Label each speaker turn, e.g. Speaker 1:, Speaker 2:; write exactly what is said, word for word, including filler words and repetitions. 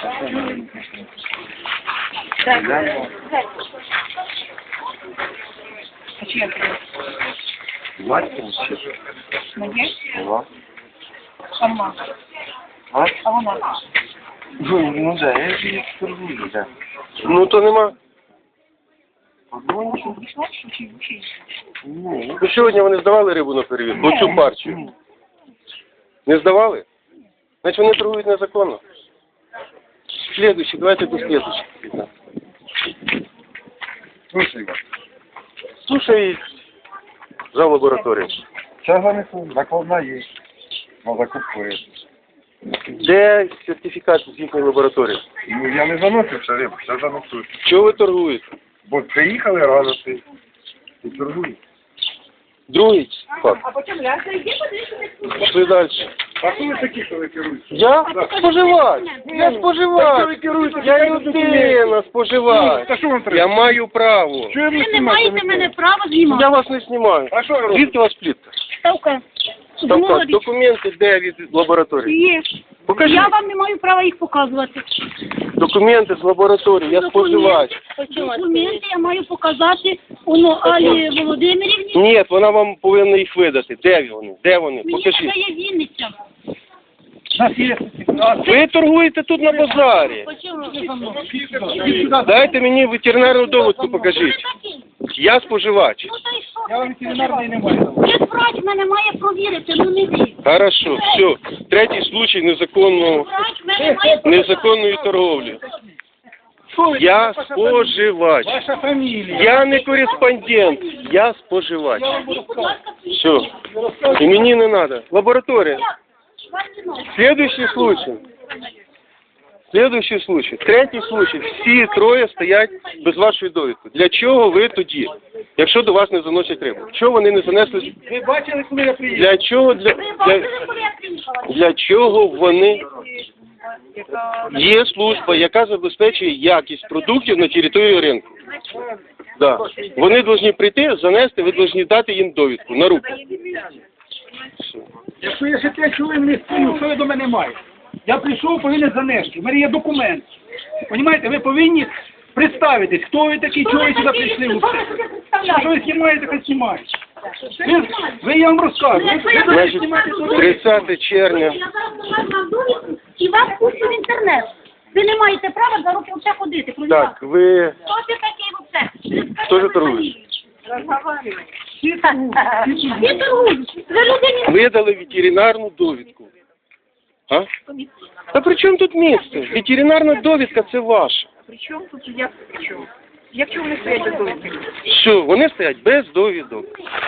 Speaker 1: А чия це?
Speaker 2: Батько?
Speaker 1: Моє?
Speaker 2: Ага.
Speaker 1: Сама.
Speaker 2: А?
Speaker 1: А вона?
Speaker 2: Ну, ну да, я ж її торгую, да.
Speaker 3: Ну то нема.
Speaker 2: Ну,
Speaker 1: Що, пішла? Що, чи, чи?
Speaker 2: ну,
Speaker 3: Ну сьогодні вони здавали рибу на перевірку? Оцю партію. Не здавали? Значить вони торгують незаконно. Слідуючий, давайте до слідуючого.
Speaker 2: слушай,
Speaker 3: Слушай, за лабораторію.
Speaker 2: сейчас занесу, накладна є. На закупку риби.
Speaker 3: Де сертифікат з їхньої лабораторії?
Speaker 2: Ну, я не заносив ще рибу, ще занесу.
Speaker 3: Чого ви торгуєте?
Speaker 2: Бо приїхали рано ти. І торгую.
Speaker 3: Другий факт.
Speaker 1: А потім ляжа, йди подивися.
Speaker 3: Пішли далі.
Speaker 2: А хто ви такі, що ви керуєте?
Speaker 3: Я споживач. Я споживач. Я людина споживач.
Speaker 2: Та що вам
Speaker 3: Я
Speaker 2: треба?
Speaker 3: маю право.
Speaker 2: Чого
Speaker 4: Ви не маєте мене права знімати.
Speaker 3: Я вас не знімаю.
Speaker 2: А що ви робите?
Speaker 3: Звідки у вас плітка?
Speaker 4: Ставка.
Speaker 3: Ставка,
Speaker 4: Говорить.
Speaker 3: документи де від лабораторії?
Speaker 4: Є.
Speaker 3: Покажіть.
Speaker 4: Я вам не маю права їх показувати.
Speaker 3: Документи з лабораторії, я споживач.
Speaker 4: Документи я маю показати воно Алі Володимирівні.
Speaker 3: Ні, вона вам повинна їх видати. Де вони? Де вони?
Speaker 4: Мені
Speaker 3: Покажіть.
Speaker 4: надає Вінниця.
Speaker 3: Ви торгуєте тут на базарі.
Speaker 4: Почему?
Speaker 3: Дайте мені ветеринарну довідку, покажіть. Я споживач.
Speaker 4: Ну та й що?
Speaker 2: Я вам ветеринарної не маю.
Speaker 4: Як врач мене має провірити, ну не ви.
Speaker 3: Хорошо, все. Третій случай незаконного,
Speaker 4: Врач мене має
Speaker 3: незаконної торговлі. Я споживач.
Speaker 2: Ваша фамілія.
Speaker 3: Я не кореспондент, я споживач.
Speaker 4: Будь ласка,
Speaker 3: Все. І мені не треба. Лабораторія. Следующий случай. Следующий случай. Третій случай. Всі троє стоять без вашої довідки. Для чого ви тоді, якщо до вас не заносять рибу? Чого вони не занесли?
Speaker 2: Ви бачили, коли я приїхав?
Speaker 3: Для чого для,
Speaker 4: ви
Speaker 3: для,
Speaker 4: бачили, коли я приїхала?
Speaker 3: для чого вони? Є служба, яка забезпечує якість продуктів на території ринку. Да. Вони повинні прийти, занести, ви повинні дати їм довідку на руку.
Speaker 5: Якщо я ще п'ять хвилин не стою, що ви до мене маєте? Я прийшов, повинен занести. У мене є документ. Понімаєте, ви повинні представитись, хто ви такий, чого ви сюди прийшли. Що ви знімаєте, хай знімаєте. Ви, ви, я вам розкажу. Ви, ви повинні
Speaker 3: Значить,
Speaker 5: знімати туди.
Speaker 3: тридцяте червня.
Speaker 4: Я зараз вам довідку і вас пущу в інтернет. Ви не маєте права за руки взагалі ходити.
Speaker 3: Так, ви
Speaker 4: Хто ти такий взагалі?
Speaker 3: Хто ж торгує?
Speaker 4: Всі торгують. Ви людині
Speaker 3: видали ветеринарну довідку. А? Та при чому тут місце? Ветеринарна довідка – це ваша.
Speaker 1: При чому тут, як при чому? Як чому вони стоять без довідки?
Speaker 3: Що, вони стоять без довідок.